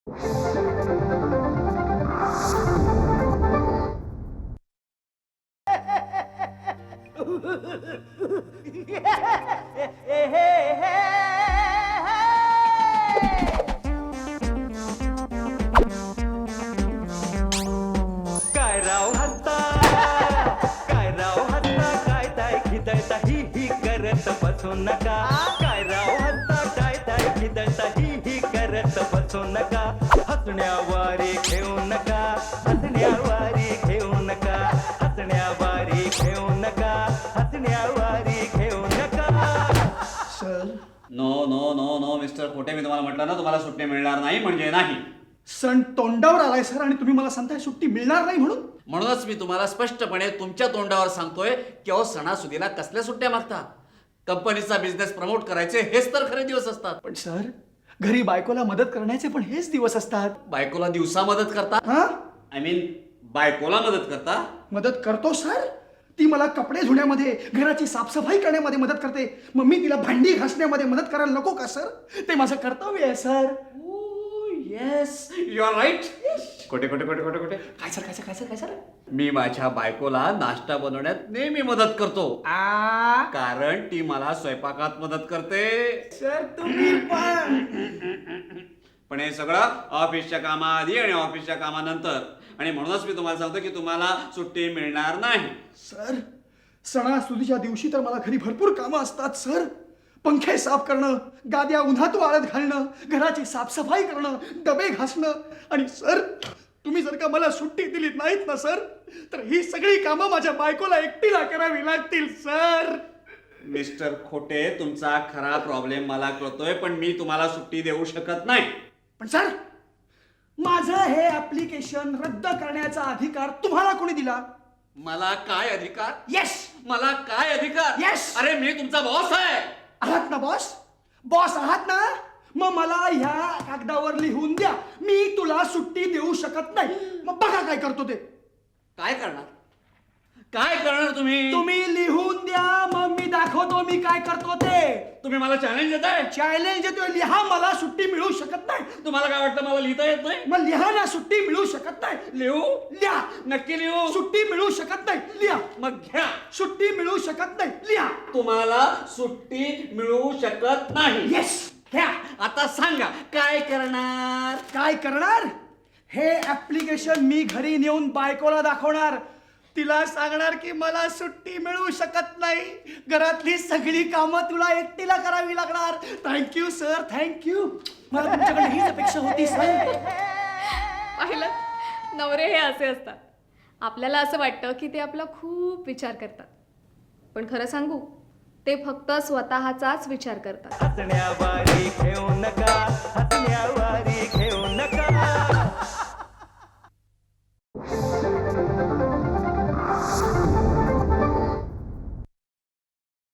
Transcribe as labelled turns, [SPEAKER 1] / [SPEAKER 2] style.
[SPEAKER 1] काय राव हत्ता, काय राव हत्ता, काय ताय खिदळता ही करत बसू नका. काय राव हत्ता, काय ताय खिदळता ही करत बसू नका. हसण्यावारे घेऊ नका, हसण्यावारे घेऊ नका, हसण्यावारे घेऊ नका, हसण्यावारे घेऊ नका.
[SPEAKER 2] Sir
[SPEAKER 3] no no no no mister Khote, मी तुम्हाला म्हटलं ना तुम्हाला सुट्टी मिळणार नाही म्हणजे नाही.
[SPEAKER 2] सण तोंडावर आलाय सर आणि तुम्ही मला सांगताय सुट्टी मिळणार नाही म्हणून.
[SPEAKER 3] म्हणूनच मी तुम्हाला स्पष्टपणे तुमच्या तोंडावर सांगतोय की अहो सणासुदीला कसल्या सुट्ट्या मागता. कंपनीचा बिझनेस प्रमोट करायचे हेच तर खरे दिवस असतात.
[SPEAKER 2] पण सर घरी बायकोला मदत करण्याचे पण हेच दिवस असतात.
[SPEAKER 3] बायकोला दिवसा मदत करता,
[SPEAKER 2] हा
[SPEAKER 3] आय मीन बायकोला मदत करता.
[SPEAKER 2] मदत करतो सर. ती मला कपडे धुण्यामध्ये, घराची साफसफाई करण्यामध्ये मदत करते. मग मी तिला भांडी घासण्यामध्ये मदत करायला नको का सर? ते माझं कर्तव्य आहे sir.
[SPEAKER 3] Yes you are right. Khote Khote Khote Khote खोटे.
[SPEAKER 2] काय सर काय सर काय सर काय सर?
[SPEAKER 3] मी माझ्या बायकोला नाश्ता बनवण्यात नेहमी मदत करतो, कारण ती मला स्वयंपाकात मदत करते.
[SPEAKER 2] सर तुम्ही पण.
[SPEAKER 3] पण हे सगळं ऑफिसच्या कामाआधी आणि ऑफिसच्या कामानंतर, आणि म्हणूनच मी तुम्हाला सांगतो की तुम्हाला सुट्टी मिळणार नाही.
[SPEAKER 2] सर सणासुदीच्या दिवशी तर मला घरी भरपूर कामं असतात सर. पंखे साफ करणं, गाद्या उन्हात वाळत घालणं, घराची साफसफाई करणं, डबे घासणं. आणि सर तुम्ही जर का मला सुट्टी दिलीत नाहीत ना सर, तर ही सगळी कामं माझ्या बायकोला एकटीला करावी लागतील सर.
[SPEAKER 3] मिस्टर खोटे, तुमचा खरा प्रॉब्लेम मला कळतोय, पण मी तुम्हाला सुट्टी देऊ शकत नाही.
[SPEAKER 2] पण सर माझं हे ऍप्लिकेशन रद्द करण्याचा अधिकार तुम्हाला कोणी दिला?
[SPEAKER 3] मला काय अधिकार?
[SPEAKER 2] येस
[SPEAKER 3] मला काय अधिकार?
[SPEAKER 2] Yes.
[SPEAKER 3] अरे मी तुमचा बॉस आहे.
[SPEAKER 2] आहात ना बॉस? बॉस आहात ना? मग मला ह्या कागदावर लिहून द्या, मी तुला सुट्टी देऊ शकत नाही. मग बघा काय करतो ते.
[SPEAKER 3] काय करणार? काय करणार तुम्ही?
[SPEAKER 2] तुम्ही लिहून द्या, मग मी दाखवतो मी काय करतो ते.
[SPEAKER 3] तुम्ही मला चॅलेंज देताय?
[SPEAKER 2] चॅलेंज देतोय. लिहा, मला सुट्टी मिळू शकत नाही.
[SPEAKER 3] तुम्हाला काय वाटतं मला लिहिता येत नाही?
[SPEAKER 2] मग लिहा ना, सुट्टी मिळू शकत नाही.
[SPEAKER 3] लिहू?
[SPEAKER 2] लिहा.
[SPEAKER 3] नक्की लिहू?
[SPEAKER 2] सुट्टी मिळू शकत नाही. लिहा.
[SPEAKER 3] मग घ्या.
[SPEAKER 2] सुट्टी मिळू शकत नाही. लिहा.
[SPEAKER 3] तुम्हाला सुट्टी मिळू शकत नाही.
[SPEAKER 2] येस घ्या.
[SPEAKER 3] आता सांगा काय करणार?
[SPEAKER 2] काय करणार? हे ऍप्लिकेशन मी घरी नेऊन बायकोला दाखवणार. तिला सांगणार की मला सुट्टी मिळू शकत नाही, घरातली सगळी कामं तुला एकटीला करावी लागणार. Thank you sir, thank you. मला तुमच्याकडे हीच अपेक्षा होती सर.
[SPEAKER 4] पाहिलं, नवरे हे असे असतात. आपल्याला असं वाटतं की ते आपला खूप विचार करतात, पण खरं सांगू ते फक्त स्वतःचाच विचार करतात.
[SPEAKER 1] हसण्यावारे घेऊ नका, हसण्यावारे घेऊ नका.